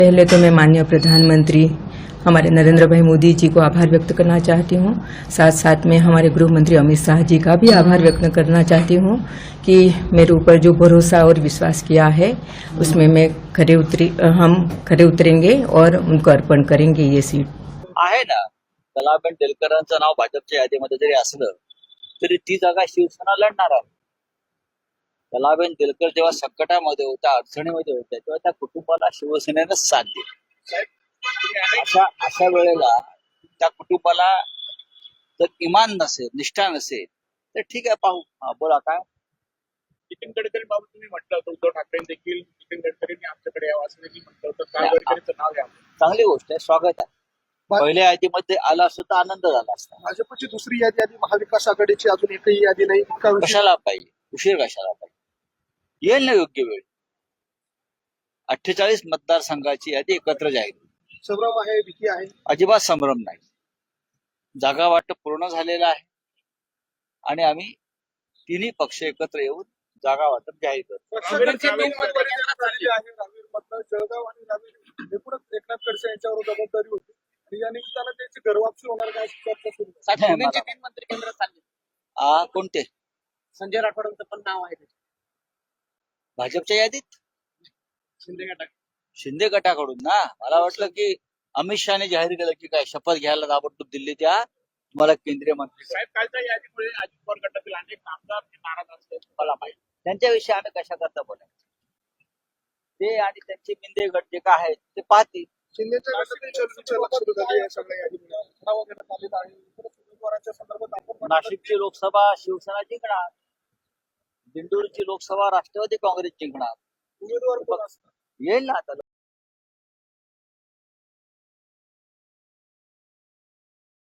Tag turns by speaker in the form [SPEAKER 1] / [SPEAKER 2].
[SPEAKER 1] पहले तो मैं माननीय प्रधानमंत्री हमारे नरेंद्र भाई मोदी जी को आभार व्यक्त करना चाहती हूँ। साथ साथ में हमारे गृह मंत्री अमित शाह जी का भी आभार व्यक्त करना चाहती हूँ कि मेरे ऊपर जो भरोसा और विश्वास किया है उसमें मैं हम खरे उतरेंगे और उनको अर्पण करेंगे ये सीट।
[SPEAKER 2] आहे ना, कलाबेन देलकरांचं नाव भाजपच्या यादीमध्ये जरी असलं तरी ती जागा शिवसेना लढणार आहे. कलाबेन देलकर जेव्हा संकटामध्ये होत्या, अडचणीमध्ये होत्या, तेव्हा त्या कुटुंबाला शिवसेनेनं साथ दिली. अशा वेळेला त्या कुटुंबाला जर इमान नसेल, निष्ठा नसेल तर ठीक आहे, पाहू. बोला काय.
[SPEAKER 3] नितीन गडकरी बाबत तुम्ही म्हटलं होतं, उद्धव ठाकरे देखील नितीन गडकरींनी आमच्याकडे यावं असं देखील म्हटलं होतं. काय गडकरींचं नाव घ्यावं?
[SPEAKER 2] चांगली गोष्ट आहे, स्वागत आहे. पहिल्या यादीमध्ये आला असतो तर आनंद झाला असता.
[SPEAKER 4] भाजपची दुसरी यादी आली, महाविकास आघाडीची अजून एकही यादी नाही.
[SPEAKER 2] कशाला पाहिजे, उशीर कशाला पाहिजे, येईल ना योग्य वेळ. 48 मतदारसंघाची यादी एकत्र जाहीर.
[SPEAKER 4] संभ्रम आहे, भीती आहे?
[SPEAKER 2] अजिबात संभ्रम नाही. जागा वाटप पूर्ण झालेलं आहे आणि आम्ही तिन्ही पक्ष एकत्र येऊन जागा वाटप जाहीर करतो.
[SPEAKER 4] जळगाव आणि रावेर एकूणच एकनाथ खडसे यांच्यावर जबाबदारी होती आणि या निमित्तानं त्यांची घरवापसी होणार काय चर्चा सुरू आहे.
[SPEAKER 5] 3 मंत्री केंद्रात चालले.
[SPEAKER 2] कोणते?
[SPEAKER 5] संजय राठोडांचं पण नाव आहे त्याच्यात.
[SPEAKER 2] भाजपच्या यादीत
[SPEAKER 5] शिंदे गटात.
[SPEAKER 2] शिंदे गटाकडून ना. मला वाटलं की अमित शहाने जाहीर केलं की काय शपथ घ्यायला ताबडतोब दिल्लीत या, तुम्हाला केंद्रीय मंत्री.
[SPEAKER 3] साहेब, कालच्या यादीमुळे अजित पवार गटातील अनेक आमदार नाराज असतात, तुम्हाला माहिती.
[SPEAKER 2] त्यांच्याविषयी आम्ही कशा करता बोलायचं, ते आणि त्यांचे मिंदे गट जे काय आहेत ते पाहतील.
[SPEAKER 4] शिंदेच्या गटातील चर्चेची सुरुवात सुरू झाली या सगळ्या यादीमुळे. ठराव घेण्यात आलेला आहे. इतरच उमेदवारांच्या संदर्भात आपण
[SPEAKER 2] नाशिकची लोकसभा शिवसेना जिंकणार, दिंडोरीची लोकसभा राष्ट्रवादी काँग्रेस जिंकणार.
[SPEAKER 4] उमेदवार कोण असतात?
[SPEAKER 2] येईल ना आता